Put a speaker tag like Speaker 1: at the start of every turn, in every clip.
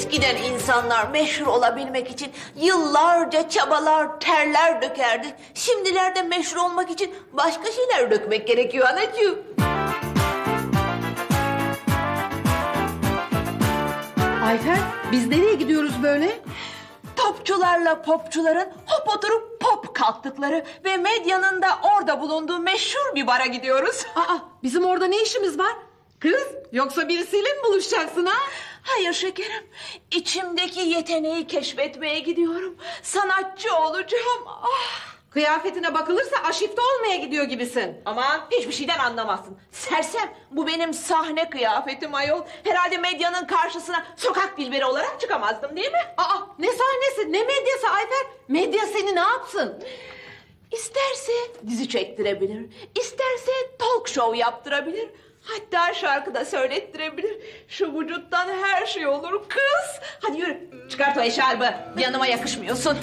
Speaker 1: Eskiden insanlar meşhur olabilmek için yıllarca çabalar, terler dökerdi. Şimdilerde meşhur olmak için başka şeyler dökmek gerekiyor anacığım.
Speaker 2: Ayfer, biz nereye gidiyoruz böyle?
Speaker 1: Topçularla popçuların hop oturup pop kalktıkları ve medyanın da orada bulunduğu meşhur bir bara gidiyoruz.
Speaker 2: Aa, bizim orada ne işimiz var? Kız, yoksa birisiyle mi buluşacaksın ha?
Speaker 1: Hayır şekerim, içimdeki yeteneği keşfetmeye gidiyorum. Sanatçı olacağım. Ah.
Speaker 2: Kıyafetine bakılırsa aşifte olmaya gidiyor gibisin.
Speaker 1: Aman hiçbir şeyden anlamazsın. Sersem, bu benim sahne kıyafetim ayol. Herhalde medyanın karşısına sokak dilberi olarak çıkamazdım değil mi?
Speaker 2: Aa, ne sahnesi, ne medyası Ayfer? Medya seni ne yapsın?
Speaker 1: İsterse dizi çektirebilir, isterse talk show yaptırabilir. Hatta şarkı da söylettirebilir. Şu vücuttan her şey olur kız. Hadi yürü, çıkart o eşarbı. Yanıma yakışmıyorsun.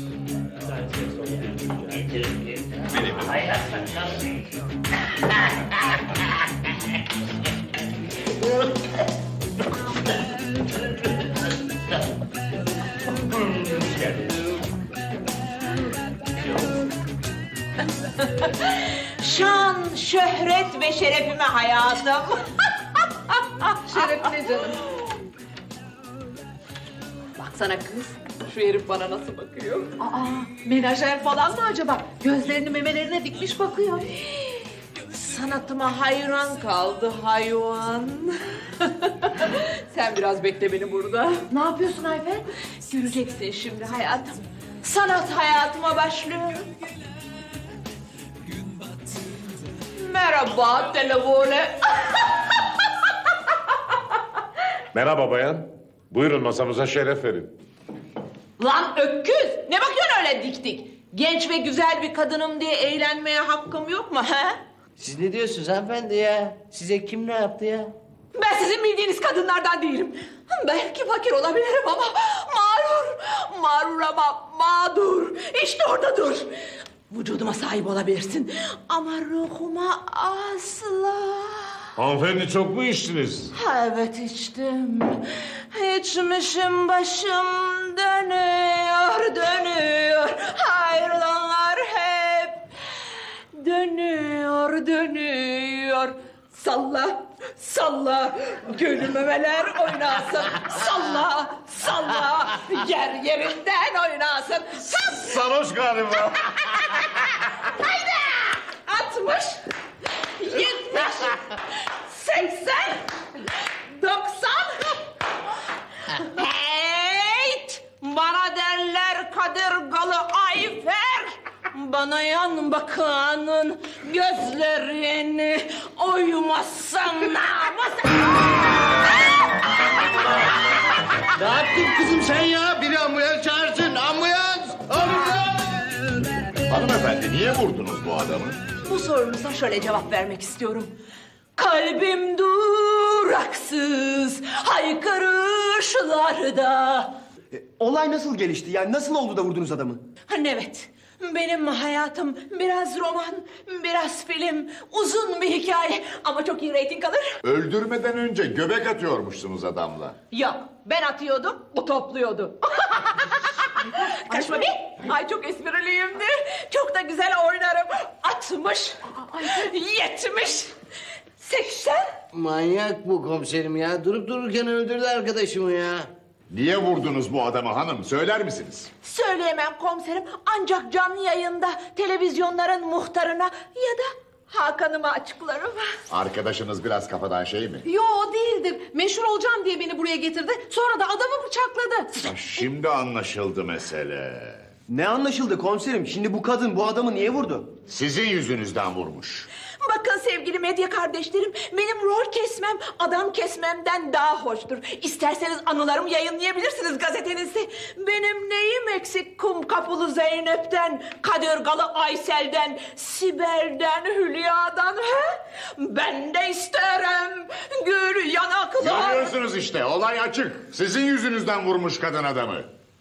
Speaker 1: Şan, şöhret ve şerefime hayatım.
Speaker 2: Şerefine canım.
Speaker 1: Baksana kız, şu herif bana nasıl bakıyor?
Speaker 2: Aa, menajer falan mı acaba? Gözlerini memelerine dikmiş bakıyor.
Speaker 1: Sanatıma hayran kaldı hayvan. Sen biraz bekle beni burada.
Speaker 2: Ne yapıyorsun Ayfer?
Speaker 1: Göreceksin şimdi hayatım. Sanat hayatıma başlıyor. Merhaba telefone.
Speaker 3: Merhaba bayan. Buyurun masamıza şeref verin.
Speaker 1: Lan öküz! Ne bakıyorsun öyle dik dik? Genç ve güzel bir kadınım diye eğlenmeye hakkım yok mu he?
Speaker 4: Siz ne diyorsunuz hanımefendi ya? Size kim ne yaptı ya?
Speaker 1: Ben sizin bildiğiniz kadınlardan değilim. Belki fakir olabilirim ama mağrur ama mağdur. İşte orada dur. Vücuduma sahip olabilirsin ama ruhuma asla.
Speaker 3: Hanımefendi çok mu içtiniz?
Speaker 1: Ha, evet içtim. İçmişim başım dönüyor. Hayrolanlar hep dönüyor. Salla, gönül memeler oynasın. Salla, yer yerinden oynasın.
Speaker 3: Sarhoş galiba.
Speaker 1: 60, 70, 80, 90. Heyt! Bana derler kadırgalı Ayfer. Bana yan bakanın gözlerini oymazsam namus.
Speaker 4: Ne yaptın kızım sen ya? Biri ambulans çağırsın. Ambulans!
Speaker 3: Hanımefendi niye vurdunuz bu adamı?
Speaker 1: Bu sorunuza şöyle cevap vermek istiyorum. Kalbim duraksız haykırışlarda.
Speaker 5: Olay nasıl gelişti? Yani nasıl oldu da vurdunuz adamı?
Speaker 1: Evet, benim hayatım biraz roman, biraz film, uzun bir hikaye ama çok iyi reyting alır.
Speaker 6: Öldürmeden önce göbek atıyormuşsunuz adamla.
Speaker 1: Yok, ben atıyordum, o topluyordu. Kaçma bir. Ay çok espriliyimdir. Çok da güzel oynarım. 60, 70, 80.
Speaker 4: Manyak bu komiserim ya. Durup dururken öldürdü arkadaşımı ya.
Speaker 6: Niye vurdunuz bu adamı hanım? Söyler misiniz?
Speaker 1: Söyleyemem komiserim ancak canlı yayında televizyonların muhtarına ya da Hakan'ıma açıklarım.
Speaker 6: Arkadaşınız biraz kafadan şey mi?
Speaker 2: Yo, değildir. Meşhur olacağım diye beni buraya getirdi. Sonra da adamı bıçakladı.
Speaker 6: Şimdi anlaşıldı mesele.
Speaker 5: Ne anlaşıldı komiserim? Şimdi bu kadın bu adamı niye vurdu?
Speaker 6: Sizin yüzünüzden vurmuş.
Speaker 1: Bakın sevgili medya kardeşlerim, benim rol kesmem adam kesmemden daha hoştur. İsterseniz anılarımı yayınlayabilirsiniz gazetenizde. Benim neyim eksik kum kapılı Zeynep'ten, kadırgalı Aysel'den, Sibel'den, Hülya'dan he? Ben de isterim gül yanaklar.
Speaker 6: Görüyorsunuz işte olay açık. Sizin yüzünüzden vurmuş kadın adamı.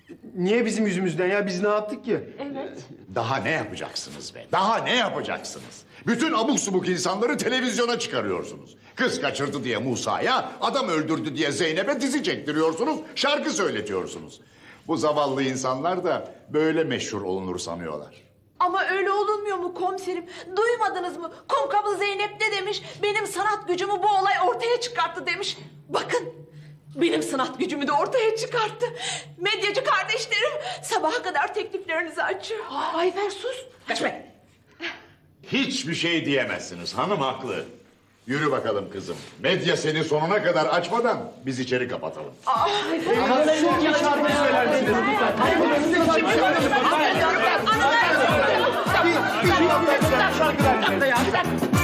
Speaker 5: Niye bizim yüzümüzden ya? Biz ne yaptık ki?
Speaker 6: Daha ne yapacaksınız be? Daha ne yapacaksınız? Bütün abuk subuk insanları televizyona çıkarıyorsunuz. Kız kaçırdı diye Musa'ya, adam öldürdü diye Zeynep'e dizi çektiriyorsunuz, şarkı söyletiyorsunuz. Bu zavallı insanlar da böyle meşhur olunur sanıyorlar.
Speaker 1: Ama öyle olunmuyor mu komiserim? Duymadınız mı? Kumkapı Zeynep ne demiş? Benim sanat gücümü bu olay ortaya çıkarttı demiş. Bakın, benim sanat gücümü de ortaya çıkarttı. Medyacı kardeşlerim sabaha kadar tekliflerinizi açıyor. Ayfer sus. Kaçma.
Speaker 6: Hiçbir şey diyemezsiniz, hanım haklı. Yürü bakalım kızım. Medya seni sonuna kadar açmadan biz içeri kapatalım.
Speaker 1: Anılar.